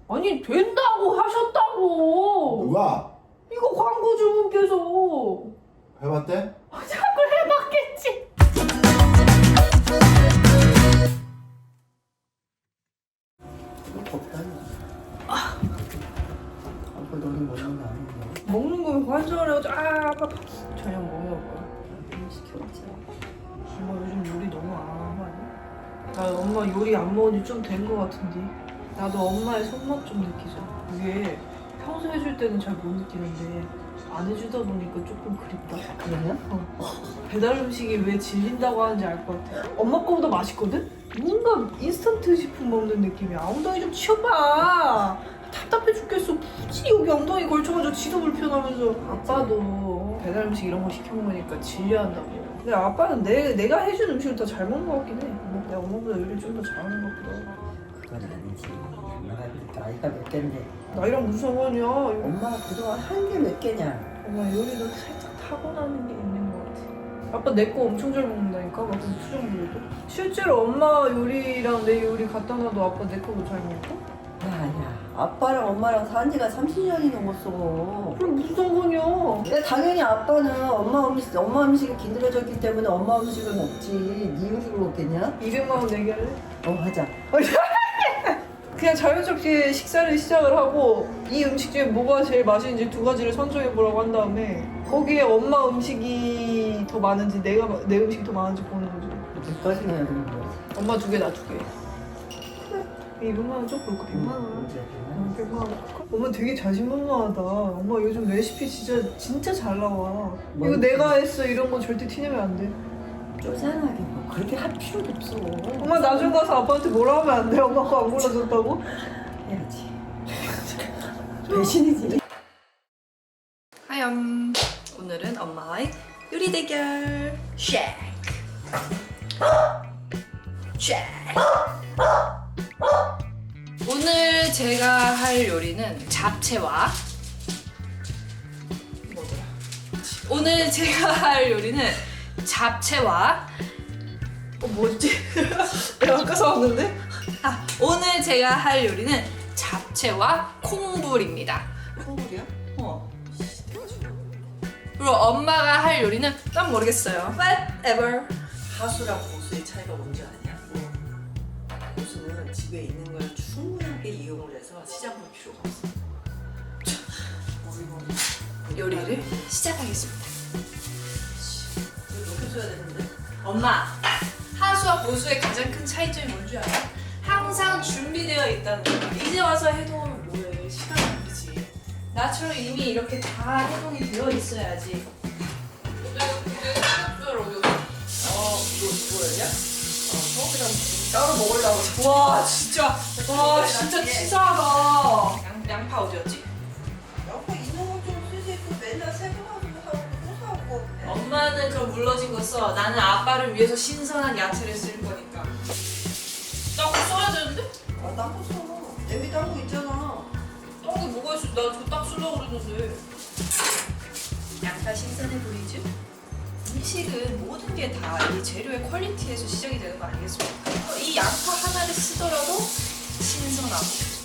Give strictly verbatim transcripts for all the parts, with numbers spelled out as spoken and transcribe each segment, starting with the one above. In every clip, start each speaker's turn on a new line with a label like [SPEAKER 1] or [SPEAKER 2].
[SPEAKER 1] 아니 된다고 하셨다고.
[SPEAKER 2] 누가?
[SPEAKER 1] 이거 광고주분께서.
[SPEAKER 2] 해봤대?
[SPEAKER 1] 자꾸 해봤겠지.
[SPEAKER 3] 이거 덥다니. 아, 아빠 너는 먹는 거 아닌데.
[SPEAKER 1] 먹는 거면 관절을 해가지고 아 아빠 저녁 뭐 먹어요?
[SPEAKER 3] 시켜봤자.
[SPEAKER 1] 엄마 요즘 요리 너무 안 하는 거 아니야? 나 엄마 요리 안 먹은 지 좀 된 거 같은데 나도 엄마의 손맛 좀 느끼자. 이게 평소 해줄 때는 잘 못 느끼는데 안 해주다 보니까 조금 그립다.
[SPEAKER 3] 그래요?
[SPEAKER 1] 어. 배달 음식이 왜 질린다고 하는지 알 것 같아. 엄마 거보다 맛있거든? 뭔가 인스턴트 식품 먹는 느낌이야. 엉덩이 좀 치워봐. 답답해 죽겠어. 굳이 여기 엉덩이 걸쳐가지고 지도 불편하면서. 아빠도 배달 음식 이런 거 시켜 먹으니까 질려한다고. 근데 아빠는 내, 내가 해준 음식을 더 잘 먹는 것 같긴 해. 뭐 내가 엄마보다 요리 좀 더 잘하는 것 같기도 하고.
[SPEAKER 3] 그건 아니지. 엄마가 그렇게 나이가 몇 갠데.
[SPEAKER 1] 나이랑 무슨 상관이야.
[SPEAKER 3] 엄마가 그동안 한 게 몇 개냐.
[SPEAKER 1] 엄마 요리도 살짝 타고나는 게 있는 것 같아. 아빠 내 거 엄청 잘 먹는다니까? 막 그럼 수정 부려도? 실제로 엄마 요리랑 내 요리 갖다 놔도 아빠 내 거도 잘 먹고?
[SPEAKER 3] 야야. 아빠랑 엄마랑 산 지가 삼십 년이 넘었어.
[SPEAKER 1] 그럼 무슨 상관이야?
[SPEAKER 3] 근데 당연히 아빠는 엄마 음식, 엄마 음식이 기늘어졌기 때문에 엄마 음식을 먹지. 네 음식을 먹겠냐?
[SPEAKER 1] 이백만 원 내게 할래?
[SPEAKER 3] 어, 하자.
[SPEAKER 1] 그냥 자연스럽게 식사를 시작을 하고 이 음식 중에 뭐가 제일 맛있는지 두 가지를 선정해보라고 한 다음에 거기에 엄마 음식이 더 많은지 내가 내 음식이 더 많은지 보는 거지.
[SPEAKER 3] 몇가지나 해야 되는 거야?
[SPEAKER 1] 엄마 두 개, 나 두 개. 이백만 원 좀 볼까? 백만 원? 어, 백만 원. 엄마 되게 자신만만하다. 엄마 요즘 레시피 진짜 진짜 잘 나와. 이거
[SPEAKER 3] 뭐?
[SPEAKER 1] 내가 했어 이런 거 절대 티내면 안 돼.
[SPEAKER 3] 쪼잔하게 뭐 그렇게 할 필요도 없어.
[SPEAKER 1] 엄마 나중 가서 아빠한테 뭐라 하면 안 돼? 엄마가 안 골라줬다고?
[SPEAKER 3] 해야지. 배신이지.
[SPEAKER 1] 하염. 오늘은 엄마의 요리 대결. 쉐이크. 쉐이크. 오늘 제가 할 요리는 잡채와 뭐더라? 오늘 제가 할 요리는 잡채와 어 뭐지? 내가 아까 사왔는데? 아 오늘 제가 할 요리는 잡채와 콩불입니다.
[SPEAKER 3] 콩불이야?
[SPEAKER 1] 어. 그리고 엄마가 할 요리는 난 모르겠어요. Whatever.
[SPEAKER 4] 하수랑 고수의 차이가 뭔지 아냐? 고수는 집에 있는 걸 충분하게 이용을 해서 시장 볼 필요가 없어.
[SPEAKER 1] 요리를 시작하겠습니다.
[SPEAKER 4] 이거 높여줘야 되는데?
[SPEAKER 1] 엄마, 하수와 고수의 가장 큰 차이점이 뭔지 알아? 항상 준비되어 있다는 거야. 이제 와서 해동하면 뭐해? 시간 낭비지. 나처럼 이미 이렇게 다 해동이 되어 있어야지. 어, 이거 뭐야? 어, 따로 먹으려고. 와, 진짜. 와, 진짜 치사하다. 양, 양파 어디였지?
[SPEAKER 4] 양파 있는 건좀 쓰지. 그 맨날 새거 가지고 사고 또 사고.
[SPEAKER 1] 엄마는 그럼 물러진 거 써. 나는 아빠를 위해서 신선한 야채를 쓸 거니까. 나 그거 써야 되는데?
[SPEAKER 4] 아, 딴거 써. 내비 딴거 있잖아.
[SPEAKER 1] 떡이 뭐가 있어? 나 저거 딱 쓰려고 그랬는데. 양파 신선해 보이죠? 음식은 모든 게 다 이 재료의 퀄리티에서 시작이 되는 거 아니겠습니까? 이 양파 하나를 쓰더라도 신선하고.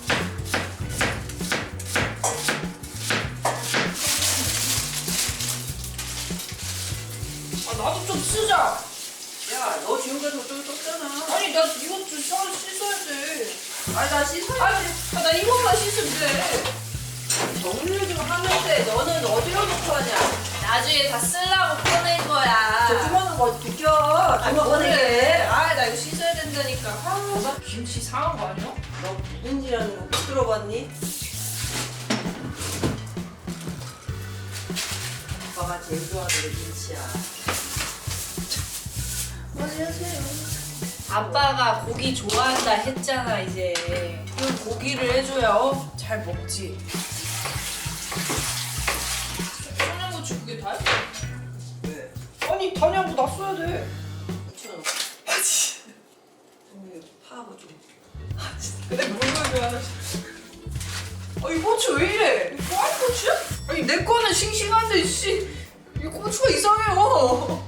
[SPEAKER 1] 아 나도 좀 쓰자.
[SPEAKER 4] 야, 너 지금까지 어쩌고 떴잖아.
[SPEAKER 1] 아니 나 이것 좀 씻어- 씻어야 돼.
[SPEAKER 4] 아니, 나 씻어야
[SPEAKER 1] 아니 아, 나 이것만 씻으면 돼.
[SPEAKER 4] 정리를 좀 하면 돼. 너는 어디로 놓고 하냐?
[SPEAKER 1] 나중에 다 쓰려고 꺼낸 거야.
[SPEAKER 4] 저 주머니 거 비켜.
[SPEAKER 1] 아니
[SPEAKER 4] 주머니
[SPEAKER 1] 뭐래?
[SPEAKER 4] 꺼내게.
[SPEAKER 1] 아 나 이거 씻어야 된다니까. 아, 나 김치 상한 거 아니야?
[SPEAKER 4] 너 묵은지라는 거 못 들어봤니? 아빠가 제일 좋아하는 게 김치야.
[SPEAKER 1] 아빠가 고기 좋아한다 했잖아 이제. 그럼 고기를 해줘야 어? 잘 먹지. 청양고추 그게 다야?
[SPEAKER 4] 왜?
[SPEAKER 1] 아니 다냐고 나 써야 돼.
[SPEAKER 4] 이천
[SPEAKER 1] 아 진짜.
[SPEAKER 4] 파하고 좀.
[SPEAKER 1] 근데 뭘 좋아하나? 아이 고추 왜 이래? 이거 아니 고추야? 아니 내 거는 싱싱한데 씨. 이 고추가 이상해요.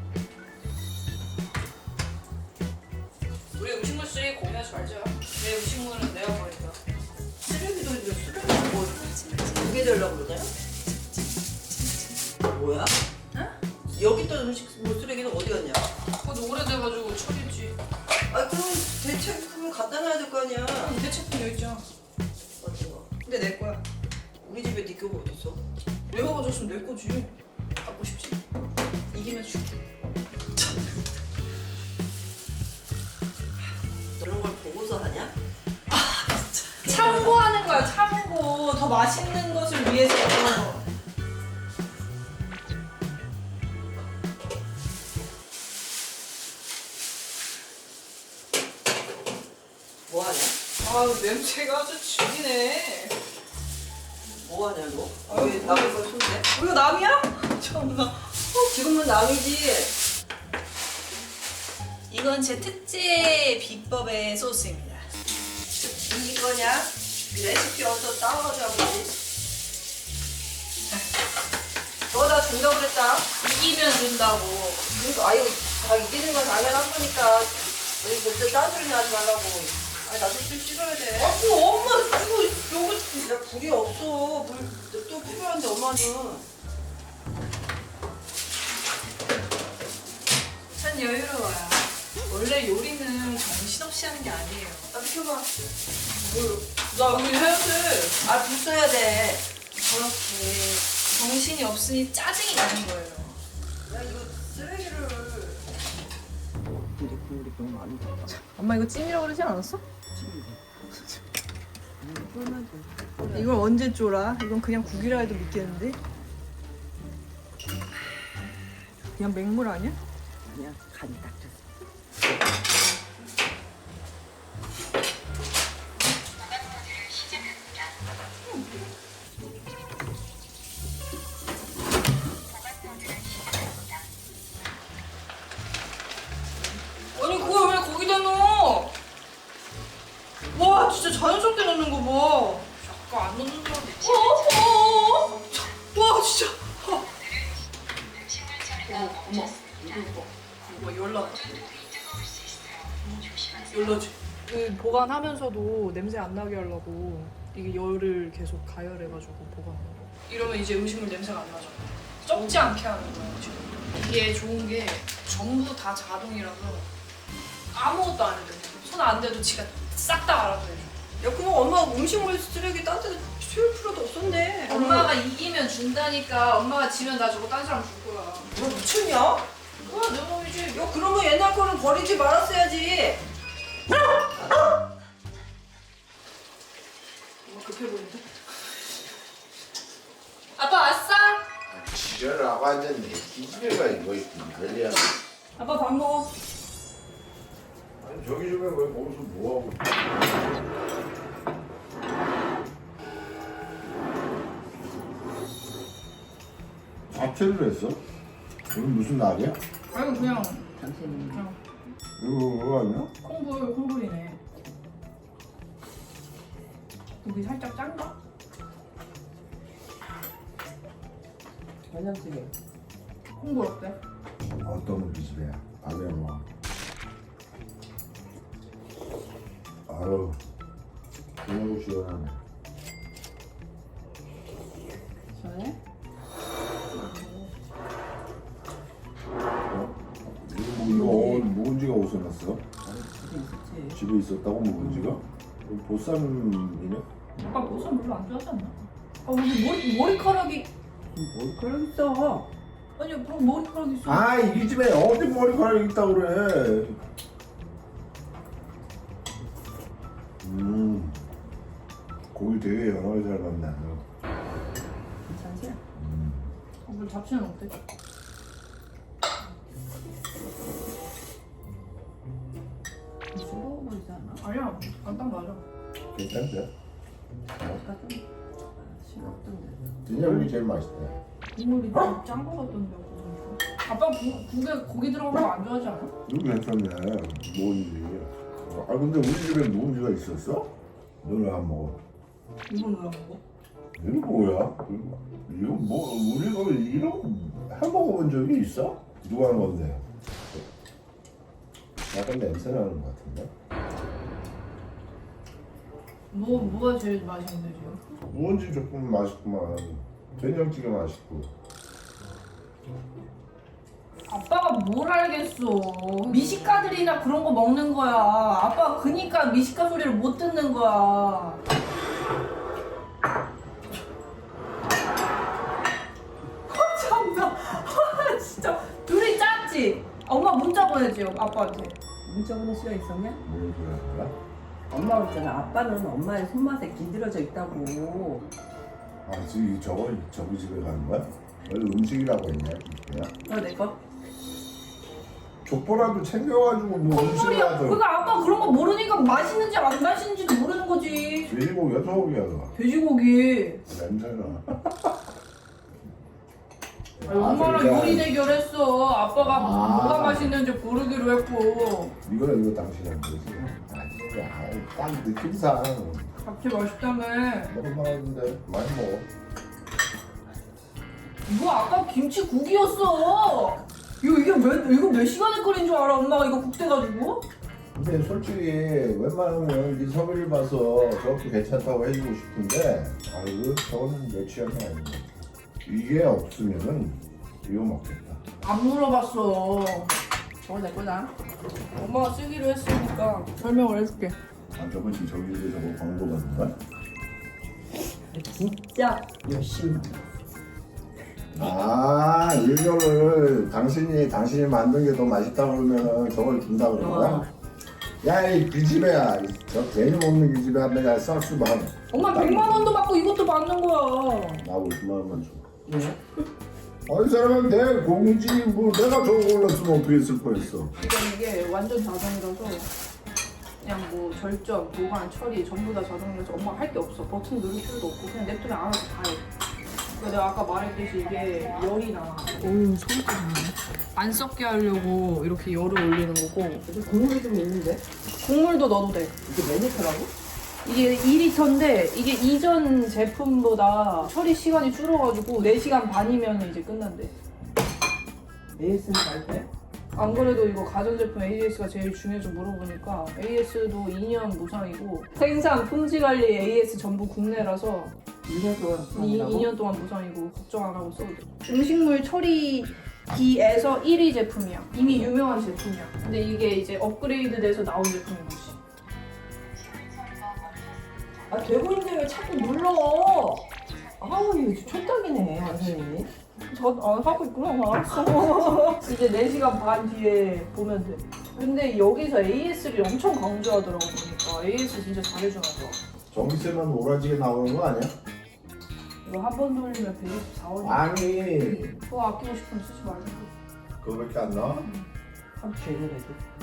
[SPEAKER 1] 우리 음식물 쓰레기 공유하지 말자. 내 음식 음식물은 내가 버린다.
[SPEAKER 3] 쓰레기도 이제 쓰레기 뭐두개 들려고 그러냐? 뭐야?
[SPEAKER 1] 응?
[SPEAKER 3] 여기 있던 음식 뭐 쓰레기는 어디 갔냐?
[SPEAKER 1] 그것도 오래돼가지고 처리지.
[SPEAKER 3] 아 그럼 대체품을 갖다 놔야 될 거 아니야?
[SPEAKER 1] 대체품 여기 있잖아.
[SPEAKER 3] 어떤 거?
[SPEAKER 1] 근데 내 거야.
[SPEAKER 3] 우리 집에 네 교복 어디 있어?
[SPEAKER 1] 내가 가졌으면 내 거지. 갖고 싶지? 이기면 줄게.
[SPEAKER 3] 그런 걸 보고서 하냐?
[SPEAKER 1] 참고하는 거야, 참고. 더 맛있는 것을 위해서.
[SPEAKER 3] 뭐 하냐?
[SPEAKER 1] 아우, 냄새가 아주 죽이네.
[SPEAKER 3] 뭐 하냐 너? 왜 남의 걸 손대?
[SPEAKER 1] 이거 남이야? 참나.
[SPEAKER 3] 지금은 남이지.
[SPEAKER 1] 이건 제 특제 비법의 소스입니다.
[SPEAKER 3] 이거냐? 레시피 어디서 따와가지고 하지? 너다 준다고 그랬다.
[SPEAKER 1] 이기면 준다고.
[SPEAKER 3] 그러니까 아유 다 이기는 건 당연한 거니까 우리 그때 딴소리 하지 말라고. 아니 나도 좀 씻어야 돼.
[SPEAKER 1] 아, 뭐 엄마 이거 요거
[SPEAKER 3] 야 불이 없어. 물 또 필요한데 엄마는.
[SPEAKER 1] 전 여유로워요. 원래 요리는 정신없이 하는 게 아니에요.
[SPEAKER 3] 나 비켜봐.
[SPEAKER 1] 뭘? 나 여기 해야 돼.
[SPEAKER 3] 아불 써야 돼.
[SPEAKER 1] 저렇게 정신이 없으니 짜증이 나는 거예요.
[SPEAKER 3] 야 이거 쓰레기를. 근데 국물이 너무 많이 들어가.
[SPEAKER 1] 엄마 이거 찜이라고 그러지 않았어? 이걸 언제 쫄아? 이건 그냥 국이라 해도 믿겠는데? 그냥 맹물 아니야?
[SPEAKER 3] 그냥 간이 딱 됐어.
[SPEAKER 1] 아니 그걸 왜 거기다 넣어? 와 진짜 자연스럽게 넣는 거 봐. 잠깐 안 넣는 줄 알았어. 어, 어, 어. 와 진짜. 어. 어머 어머 이거 봐. 이거 열나. 열나지. 그 보관하면서도 냄새 안 나게 하려고 이게 열을 계속 가열해가지고 보관하는 거. 이러면 이제 음식물 냄새가 안 나잖아. 썩지 않게 하는 거야 지금. 이게 좋은 게 전부 다 자동이라서 아무것도 안 해도 돼. 손 안 대도 지가 싹 다 알아서 해줘.
[SPEAKER 3] 야 그럼 엄마 음식물 쓰레기 딴 데다 치울 필요도 없었네.
[SPEAKER 1] 엄마가 이기면 준다니까. 엄마가 지면 나 저거 딴 사람 줄 거야.
[SPEAKER 3] 너 미쳤냐?
[SPEAKER 1] 뭐야 내 놈이지.
[SPEAKER 3] 야 그러면 옛날 거는 버리지 말았어야지.
[SPEAKER 1] 엄마 급해 보이는데? 아빠 왔어?
[SPEAKER 2] 지랄하고 앉았네. 기집애가 이거 난리야.
[SPEAKER 1] 아빠 밥 먹어.
[SPEAKER 2] 아니 저기 집에 왜 거기서 뭐하고 자퇴를 했어? 오늘 무슨 날이야?
[SPEAKER 1] 아니 그냥
[SPEAKER 3] 당신은
[SPEAKER 1] 그냥
[SPEAKER 2] 이거 그거 아니야?
[SPEAKER 1] 콩불 콩불이네. 여기 살짝 짠가?
[SPEAKER 3] 된장찌개.
[SPEAKER 1] 콩불 어때?
[SPEAKER 2] 어떤 우리 집이야? 밥에 뭐 아유 그냥 시원하네.
[SPEAKER 3] 전에?
[SPEAKER 2] 어? 이거 뭐 이거 묵은지가 어디서 났어?
[SPEAKER 3] 집에 있었지.
[SPEAKER 2] 집에 있었다고 묵은지가? 이거 보쌈이네?
[SPEAKER 1] 아빠 보쌈 별로 안 좋아하지 않나? 아 무슨 머리, 머리카락이
[SPEAKER 3] 뭘 그런 있어?
[SPEAKER 1] 아니 그럼 머리카락이 있어.
[SPEAKER 2] 아, 이 집에 어디 머리카락이 있다고 그래. 음, 고기 되게 여러 개 잘 만나.
[SPEAKER 3] 괜찮지?
[SPEAKER 2] 음,
[SPEAKER 1] 어, 물 잡채는 어때?
[SPEAKER 3] 싱거워 보이지 않아?
[SPEAKER 1] 아니야, 안 딱 맞아.
[SPEAKER 2] 괜찮대?
[SPEAKER 3] 아까 좀 싱겁던데.
[SPEAKER 2] 된장이 제일 맛있대.
[SPEAKER 1] 국물이 좀 짠 거 같던데. 아빠 국, 국에 고기 들어간 거 안 좋아하지 않아?
[SPEAKER 2] 이거 괜찮네. 묵은지. 아, 근데 우리 집에 묵은지가 있었어? 너는 안 먹어.
[SPEAKER 1] 이건 왜 안 먹어?
[SPEAKER 2] 이거 뭐야? 이거, 이거 뭐, 우리가 이런 거 해먹어본 적이 있어? 누가 하는 건데? 약간 냄새 나는 것 같은데?
[SPEAKER 1] 뭐 뭐가 제일 맛있는데 지금?
[SPEAKER 2] 무언지 조금 맛있구만. 된장찌개 맛있고.
[SPEAKER 1] 아빠가 뭘 알겠어. 미식가들이나 그런 거 먹는 거야. 아빠 그니까 미식가 소리를 못 듣는 거야. 참나. 진짜 둘이 짰지? 엄마 문자 보내지 아빠한테.
[SPEAKER 3] 문자 보낼 수가 있었냐?
[SPEAKER 2] 뭘 그래 거야?
[SPEAKER 3] 엄마가 그랬잖아. 아빠는 엄마의 손맛에 기들어져 있다고.
[SPEAKER 2] 아 지금 저거 저기 집에 가는 거야? 원래 음식이라고 했냐? 그냥
[SPEAKER 3] 너 내 거?
[SPEAKER 2] 족보라도 챙겨가지고 뭐
[SPEAKER 1] 소리야.
[SPEAKER 2] 음식이라도.
[SPEAKER 1] 그러니까 아빠 그런 거 모르니까 맛있는지 안 맛있는지도 모르는 거지.
[SPEAKER 2] 돼지고기야 소고기야 너.
[SPEAKER 1] 돼지고기.
[SPEAKER 2] 냄새나.
[SPEAKER 1] 아니, 엄마랑
[SPEAKER 2] 그러니까
[SPEAKER 1] 요리 대결했어. 아빠가
[SPEAKER 2] 아.
[SPEAKER 1] 뭐가 맛있는지 고르기로 했고.
[SPEAKER 2] 이거 이거 당신이 안 되지. 아니 딱 느낌상
[SPEAKER 1] 잡채 맛있다며.
[SPEAKER 2] 먹을만한데 많이 먹어.
[SPEAKER 1] 이거 아까 김치국이었어. 이거 이게 몇 이거 몇 시간에 끓인 줄 알아? 엄마가 이거 국 돼가지고.
[SPEAKER 2] 근데 솔직히 웬만하면 네 섭외를 봐서 저것도 괜찮다고 해주고 싶은데 아이고 저거는 내 취향이 아닌 것 같아. 이게 없으면은 이거 먹겠다.
[SPEAKER 1] 안 물어봤어.
[SPEAKER 3] 저거 내 거다.
[SPEAKER 1] 엄마가 쓰기로 했으니까 설명을 해줄게.
[SPEAKER 2] 아 저번 주 저기에 저거 광고 받은 거야?
[SPEAKER 3] 진짜 열심히.
[SPEAKER 2] 아 이거를 당신이 당신이 만든 게 더 맛있다 그러면은 저걸 준다 그런 거야? 야이 그 집애야 저 괜히 먹는 그 집애 내가 쌀수 봐.
[SPEAKER 1] 엄마 백만 원도 받고 이것도 받는 거야.
[SPEAKER 2] 나 오십만 원만 줘.
[SPEAKER 3] 왜?
[SPEAKER 2] 아, 이 사람은 내 공지 뭐 내가 저거 올렸으면 어떻게 했을 뻔했어.
[SPEAKER 1] 이건 이게 완전 자동이라서 그냥 뭐 절전, 보관, 처리 전부 다 자동이라서 엄마가 할 게 없어. 버튼 누를 필요도 없고 그냥 냅두면 알아서 다 해. 그러니까 내가 아까 말했듯이 이게 열이 나. 오 소리가 나네. 안 썩게 하려고 이렇게 열을 올리는 거고
[SPEAKER 3] 여기 국물이 좀 있는데?
[SPEAKER 1] 국물도 넣어도 돼.
[SPEAKER 3] 이게 몇 리터라고?
[SPEAKER 1] 이게 이 리터인데 이게 이전 제품보다 처리 시간이 줄어가지고 네 시간 반이면 이제 끝난대.
[SPEAKER 3] 에이에스는 잘 돼?
[SPEAKER 1] 안 그래도 이거 가전제품 에이에스가 제일 중요해서 물어보니까 에이에스도 이 년 무상이고 생산 품질 관리 에이에스 전부 국내라서
[SPEAKER 3] 이 년 동안
[SPEAKER 1] 이,
[SPEAKER 3] 무상이라고?
[SPEAKER 1] 이 년 동안 무상이고 걱정 안 하고 써도 돼. 음식물 처리기에서 일 위 제품이야. 이미 유명한 제품이야. 근데 이게 이제 업그레이드 돼서 나온 제품인 거지.
[SPEAKER 3] 아 되고 있는데 왜 자꾸 눌러? 아우 이거 촌딱이네 선생님이.
[SPEAKER 1] 저 안 하고 있구나. 알았어. 이제 네 시간 반 뒤에 보면 돼. 근데 여기서 에이에스를 엄청 강조하더라고 보니까 에이에스 진짜 잘해주나 봐.
[SPEAKER 2] 전기세만 오라지게 나오는 거 아니야?
[SPEAKER 1] 이거 한 번 돌리면 백이십사 원이야.
[SPEAKER 2] 아니
[SPEAKER 1] 그거 아끼고 싶으면 쓰지 말고.
[SPEAKER 2] 그거밖에 안 나와?
[SPEAKER 3] 참 죄송해도.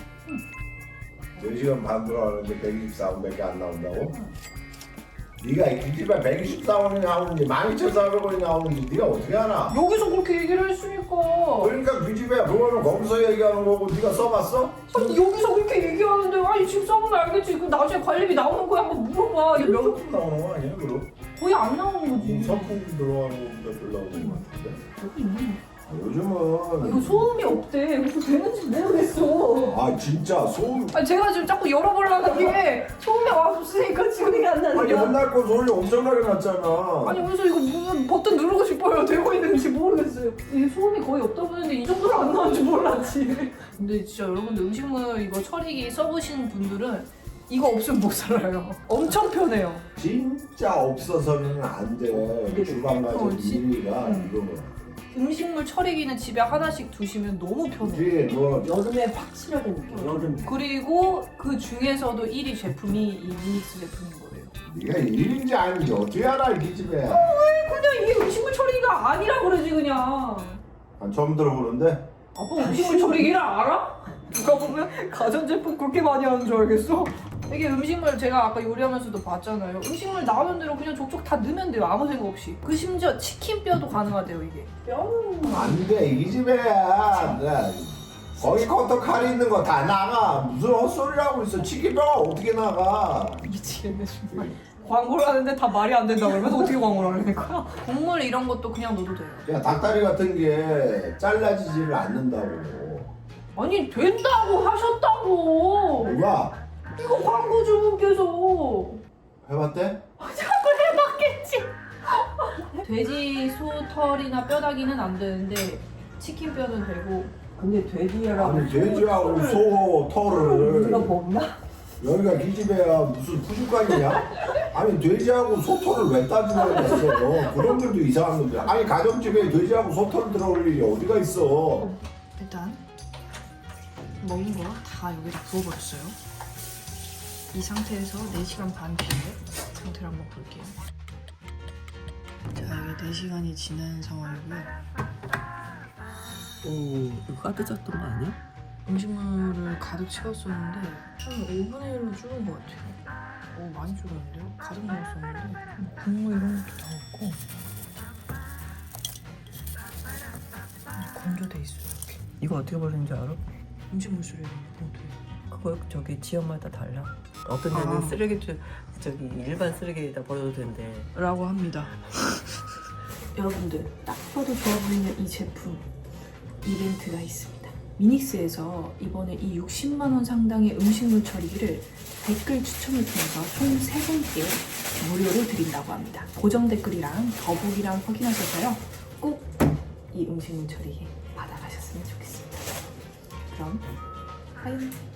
[SPEAKER 2] 네 시간 반 들어가는데 백이십사 원밖에 안 나온다고? 네가 이 집에 백이십사 원이 나오는지 만 이천사백 원이 나오는지 네가 어떻게 알아?
[SPEAKER 1] 여기서 그렇게 얘기를 했으니까.
[SPEAKER 2] 그러니까 그 집에 그거는 거기서 얘기하는 거고 네가 써봤어?
[SPEAKER 1] 아니 여기서 그렇게 얘기하는데 아니 지금 써보면 알겠지. 그 나중에 관리비 나오는 거야 한번 물어봐. 이게 명
[SPEAKER 2] 조금 나오는 거 아니야 그럼?
[SPEAKER 1] 거의 안 나오는 거지.
[SPEAKER 2] 선풍기 들어가는 것보다 덜 나오는 거 같은데?
[SPEAKER 1] 여기 있네.
[SPEAKER 2] 아, 요즘은
[SPEAKER 1] 이거 소음이 없대. 그래서 되는지 모르겠어.
[SPEAKER 2] 아 진짜 소음
[SPEAKER 1] 아니 제가 지금 자꾸 열어보려는 게 소음이 없으니까 지금이 안 나는
[SPEAKER 2] 아니
[SPEAKER 1] 거야.
[SPEAKER 2] 옛날 거 소리 엄청나게 났잖아.
[SPEAKER 1] 아니 그래서 이거 무슨 버튼 누르고 싶어요. 되고 있는지 모르겠어요. 이게 소음이 거의 없다 보는데 이 정도로 안 나온 줄 몰랐지. 근데 진짜 여러분들 음식물 이거 처리기 써보시는 분들은 이거 없으면 못 살아요. 엄청 편해요.
[SPEAKER 2] 진짜 없어서는 안 돼. 주방 가서
[SPEAKER 1] 어, 진-
[SPEAKER 2] 일이가
[SPEAKER 1] 응.
[SPEAKER 2] 이거.
[SPEAKER 1] 음식물 처리기는 집에 하나씩 두시면 너무 편해요.
[SPEAKER 2] 이게 뭐
[SPEAKER 3] 여름에 확실하게 느껴. 여름.
[SPEAKER 1] 그리고 그 중에서도 일 위 제품이 이 미닉스 제품인 거예요.
[SPEAKER 2] 네가 일인지 아닌지 어떻게 알아 이 집에?
[SPEAKER 1] 그냥 이게 음식물 처리기가 아니라 그러지 그냥.
[SPEAKER 2] 난 처음 들어보는데.
[SPEAKER 1] 아빠 음식물 처리기를 알아? 누가 보면 가전제품 그렇게 많이 하는 줄 알겠어? 이게 음식물 제가 아까 요리하면서도 봤잖아요. 음식물 나오는 대로 그냥 족족 다 넣으면 돼요. 아무 생각 없이. 그 심지어 치킨뼈도 가능하대요 이게.
[SPEAKER 3] 뼈는
[SPEAKER 2] 안돼 이 집에야. 나 거기 커터 칼이 있는 거 다 나가. 무슨 헛소리를 하고 있어. 치킨뼈가 어떻게 나가?
[SPEAKER 1] 미치겠네 정말. 광고를 하는데 다 말이 안 된다고 그러면 어떻게 광고를 하는 거야? 국물 이런 것도 그냥 넣어도 돼요.
[SPEAKER 2] 야 닭다리 같은 게 잘라지지를 않는다고.
[SPEAKER 1] 아니 된다고 하셨다고.
[SPEAKER 2] 누가?
[SPEAKER 1] 이거 광고 주문께서.
[SPEAKER 2] 해봤대?
[SPEAKER 1] 돼지 소 털이나 뼈다귀는 안 되는데 치킨 뼈는 되고.
[SPEAKER 3] 근데 돼지랑
[SPEAKER 2] 아니 돼지하고 소 털을
[SPEAKER 3] 우리가 먹나?
[SPEAKER 2] 여기가 기집애야 무슨 푸주간이냐? 아니 돼지하고 소털을 왜 따지려고 했어? 그런 것도 이상한 건데. 아니 가정집에 돼지하고 소털 들어올 일이 어디가 있어?
[SPEAKER 1] 일단 먹은 거 다 여기다 부어버렸어요. 이 상태에서 네 시간 반 뒤에 상태를 한번 볼게요. 자, 이게 네 시간이 지난 상황이고요.
[SPEAKER 3] 오, 이거 가득 찼던 거 아니야?
[SPEAKER 1] 음식물을 가득 채웠었는데 한 오분의 일로 줄은 것 같아요. 오, 많이 줄었는데요? 가득 넣었었는데 국물 이런 것도 다 없고 건조돼 있어요, 이렇게.
[SPEAKER 3] 이거 어떻게 버리는지 알아?
[SPEAKER 1] 음식물 쓰레기 봉투에.
[SPEAKER 3] 그거 저기 지역마다 달라. 어떤 데는
[SPEAKER 1] 아.
[SPEAKER 3] 쓰레기 주- 저기 일반 쓰레기에다 버려도 된대.
[SPEAKER 1] 라고 합니다. 여러분들 딱 봐도 좋아 보이는 이 제품 이벤트가 있습니다. 미닉스에서 이번에 이 육십만 원 상당의 음식물 처리기를 댓글 추첨을 통해서 총 세 분께 무료로 드린다고 합니다. 고정 댓글이랑 더보기랑 확인하셔서요. 꼭 이 음식물 처리기 받아가셨으면 좋겠습니다. 그럼 하이.